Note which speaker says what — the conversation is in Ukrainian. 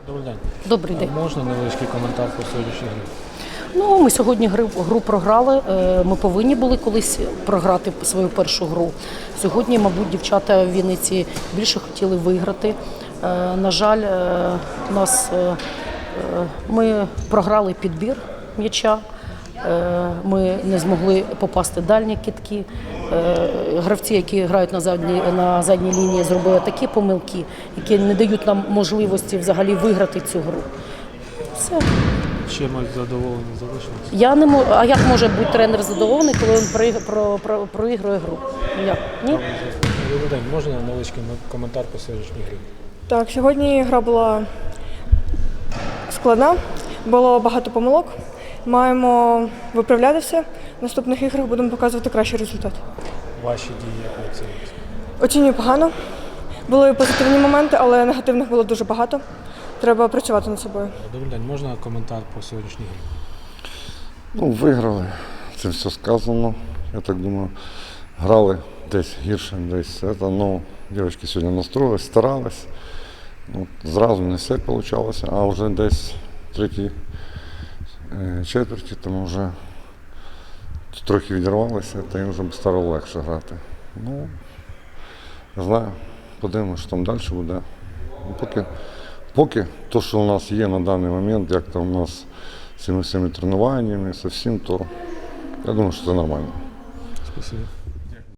Speaker 1: Добрий день.
Speaker 2: Добрий день.
Speaker 1: Можна невеличкий коментар по сьогоднішній грі?
Speaker 2: Ну, ми сьогодні гру програли. Ми повинні були колись програти свою першу гру. Сьогодні, мабуть, дівчата в Вінниці більше хотіли виграти. На жаль, ми програли підбір м'яча. Ми не змогли попасти дальні кидки. Гравці, які грають на задній лінії, зробили такі помилки, які не дають нам можливості взагалі виграти цю гру. Все.
Speaker 1: Чимось задоволені залишилися?
Speaker 2: Я не можу. А як може бути тренер задоволений, коли він проігрує гру? Як? Ні?
Speaker 1: Добрий день. Можна невеличкий коментар по сьогоднішній грі?
Speaker 3: Так, сьогодні гра була складна, було багато помилок. Маємо виправляти все. В наступних іграх будемо показувати кращий результат.
Speaker 1: Ваші дії як оцінюєте?
Speaker 3: Оцінюю погано. Були позитивні моменти, але негативних було дуже багато. Треба працювати над собою.
Speaker 1: Добрий день. Можна коментар по сьогоднішній грі?
Speaker 4: Ну, виграли, це все сказано. Я так думаю, грали десь гірше, десь це. Ну, дівчатки сьогодні настроїлись, старались. Ну, зразу не все вийшло, а вже десь третій четверті, тому вже трохи відірвалися, та їм вже стало легше грати. Ну, не знаю, подивимося, що там далі буде. Поки те, що у нас є на даний момент, як там у нас з цими всіми тренуваннями, з всім, то я думаю, що це нормально.
Speaker 1: Спасибо.